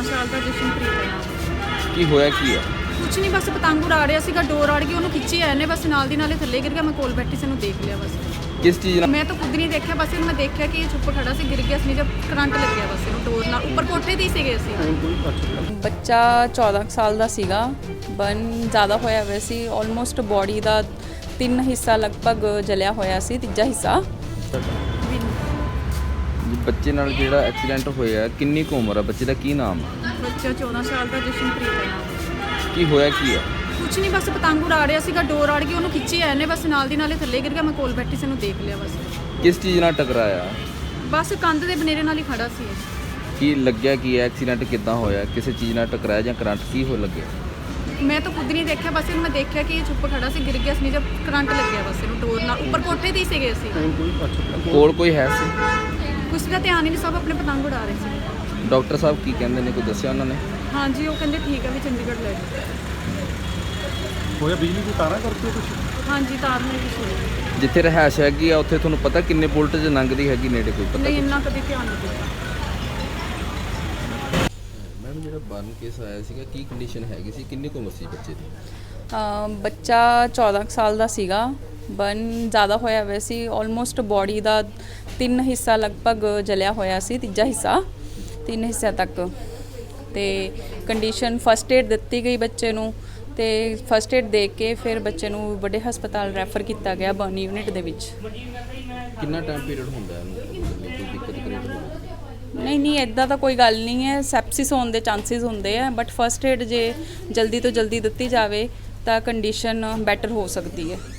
ਸਾਲ ਦਾ ਜਸ਼ਨਪ੍ਰੀਤ ਹੈ ਨਾਮ। ਕੀ ਹੋਇਆ ਕੀ ਹੈ? ਕੁਛ ਨਹੀਂ, ਬਸ ਪਤੰਗ ਉਡਾ ਰਿਹਾ ਸੀਗਾ, ਡੋਰ ਅੜ ਗਈ, ਉਹਨੂੰ ਖਿੱਚੀ ਆਏ ਨੇ, ਬਸ ਨਾਲ ਦੀ ਨਾਲੇ ਥੱਲੇ ਗਿਰ ਗਿਆ। ਮੈਂ ਕੋਲ ਬੈਠੀ ਸੀ, ਉਹਨੂੰ ਦੇਖ ਲਿਆ ਬਸ। ਕਿਸ ਚੀਜ਼ ਨਾਲ? ਮੈਂ ਤਾਂ ਖੁਦ ਨਹੀਂ ਦੇਖਿਆ, ਬਸ ਇਹਨੂੰ ਮੈਂ ਦੇਖਿਆ ਕਿ ਇਹ ਚੁੱਪ ਖੜਾ ਸੀ, ਗਿਰ ਗਿਆ ਸੀ, ਜਦ ਕਰੰਟ ਲੱਗਿਆ ਬਸ ਇਹਨੂੰ ਡੋਰ ਨਾਲ। ਉੱਪਰ ਕੋਠੇ 'ਤੇ ਹੀ ਸੀਗੇ ਅਸੀਂ। ਬੱਚਾ 14 ਸਾਲ ਦਾ ਸੀਗਾ, ਬਰਨ ਜ਼ਿਆਦਾ ਹੋਇਆ ਹੋਇਆ ਸੀ। ਆਲਮੋਸਟ ਬੋਡੀ ਦਾ 3 ਹਿੱਸਾ ਲਗਭਗ ਜਲਿਆ ਹੋਇਆ ਸੀ, ਤੀਜਾ ਹਿੱਸਾ। ਬੱਚੇ ਨਾਲ ਜਿਹੜਾ ਐਕਸੀਡੈਂਟ ਹੋਇਆ, ਕਿੰਨੀ ਕੁ ਉਮਰ ਹੈ ਬੱਚੇ ਦਾ, ਕੀ ਨਾਮ ਹੈ? ਬੱਚਾ 14 ਸਾਲ ਦਾ ਜਸ਼ਨਪ੍ਰੀਤ ਹੈ ਨਾਮ। ਕੀ ਹੋਇਆ ਕੀ ਹੈ? ਕੁਛ ਨਹੀਂ, ਬਸ ਪਤੰਗ ਉਡਾ ਰਿਹਾ ਸੀਗਾ, ਡੋਰ ਅੜ ਗਈ, ਉਹਨੂੰ ਖਿੱਚੀ ਆਏ ਨੇ, ਬਸ ਨਾਲ ਦੀ ਨਾਲੇ ਥੱਲੇ ਗਿਰ ਗਿਆ। ਮੈਂ ਕੋਲ ਬੈਠੀ ਸੀ, ਉਹਨੂੰ ਦੇਖ ਲਿਆ ਬਸ। ਕਿਸ ਚੀਜ਼ ਨਾਲ ਟਕਰਾਇਆ? ਬਸ ਕੰਧ ਦੇ ਬਨੇਰੇ ਨਾਲ ਹੀ ਖੜਾ ਸੀ। ਕੀ ਲੱਗਿਆ ਕੀ ਹੈ? ਐਕਸੀਡੈਂਟ ਕਿੱਦਾਂ ਹੋਇਆ? ਕਿਸੇ ਚੀਜ਼ ਨਾਲ ਟਕਰਾਇਆ ਜਾਂ ਕਰੰਟ ਕੀ ਹੋ ਲੱਗਿਆ? ਮੈਂ ਤਾਂ ਖੁਦ ਨਹੀਂ ਦੇਖਿਆ, ਬਸ ਇਹਨੂੰ ਮੈਂ ਦੇਖਿਆ ਕਿ ਇਹ ਚੁੱਪ ਖੜਾ ਸੀ, ਗਿਰ ਗਿਆ ਸੀ, ਜਦ ਕਰੰਟ ਲੱਗਿਆ ਬਸ ਇਹਨੂੰ ਡੋਰ ਨਾਲ। ਉੱਪਰ ਕੋਠੇ 'ਤੇ ਹੀ ਸੀਗੇ ਅਸੀਂ। ਕੋਲ ਕੋਈ ਹੈ ਸੀ? ਕੁਛ ਦਾ ਧਿਆਨ ਹੀ ਨਹੀਂ, ਸਭ ਆਪਣੇ ਪਤੰਗ ਉਡਾ ਰਹੇ ਸੀ। ਡਾਕਟਰ ਸਾਹਿਬ ਕੀ ਕਹਿੰਦੇ ਨੇ, ਕੋਈ ਦੱਸਿਆ ਉਹਨਾਂ ਨੇ? ਹਾਂਜੀ, ਉਹ ਕਹਿੰਦੇ ਠੀਕ ਹੈ ਵੀ ਚੰਡੀਗੜ੍ਹ ਲੈ ਜਾਓ। ਹੋਇਆ ਬਿਜਲੀ ਦੀ ਤਾਰਾਂ ਕਰਕੇ ਕੁਛ? ਹਾਂਜੀ, ਤਾਰ ਨਾਲ ਕੁਛ ਹੋਇਆ। ਜਿੱਥੇ ਰਹਿائش ਹੈਗੀ ਆ ਉੱਥੇ ਤੁਹਾਨੂੰ ਪਤਾ ਕਿੰਨੇ ਵੋਲਟੇਜ ਲੰਘਦੀ ਹੈਗੀ ਨੇੜੇ, ਕੋਈ ਪਤਾ? ਨਹੀਂ, ਇੰਨਾ ਕਦੇ ਧਿਆਨ ਨਹੀਂ ਦਿੱਤਾ। ਮੈਮ ਜਿਹੜਾ ਬਰਨ ਕੇਸ ਆਇਆ ਸੀਗਾ, ਕੀ ਕੰਡੀਸ਼ਨ ਹੈਗੀ ਸੀ, ਕਿੰਨੀ ਕੁ ਉਮਰ ਸੀ ਬੱਚੇ ਦੀ? ਬੱਚਾ 14 ਸਾਲ ਦਾ ਸੀਗਾ, ਬਰਨ ਜ਼ਿਆਦਾ ਹੋਇਆ ਹੋਇਆ ਸੀ। ਆਲਮੋਸਟ ਬੋਡੀ ਦਾ 3 ਹਿੱਸਾ ਲਗਭਗ ਜਲਿਆ ਹੋਇਆ ਸੀ, ਤੀਜਾ ਹਿੱਸਾ 3 ਹਿੱਸਿਆਂ ਤੱਕ। ਤੇ ਕੰਡੀਸ਼ਨ ਫਸਟ ਏਡ ਦਿੱਤੀ ਗਈ ਬੱਚੇ ਨੂੰ, ਤੇ ਫਸਟ ਏਡ ਦੇ ਕੇ ਫਿਰ ਬੱਚੇ ਨੂੰ ਵੱਡੇ ਹਸਪਤਾਲ ਰੈਫਰ ਕੀਤਾ ਗਿਆ ਬਰਨ ਯੂਨਿਟ ਦੇ ਵਿੱਚ। ਕਿੰਨਾ ਟਾਈਮ ਪੀਰੀਅਡ ਹੁੰਦਾ ਇਹਨੂੰ, ਕੋਈ ਦਿੱਕਤ ਕ੍ਰੀਏਟ ਹੋਵੇ? ਨਹੀਂ, ਇੱਦਾਂ ਤਾਂ ਕੋਈ ਗੱਲ ਨਹੀਂ ਹੈ। ਸੈਪਸਿਸ ਹੋਣ ਦੇ ਚਾਂਸਿਸ ਹੁੰਦੇ ਆ, ਬਟ ਫਸਟ ਏਡ ਜੇ ਜਲਦੀ ਤੋਂ ਜਲਦੀ ਦਿੱਤੀ ਜਾਵੇ ਤਾਂ ਕੰਡੀਸ਼ਨ ਬੈਟਰ ਹੋ ਸਕਦੀ ਹੈ।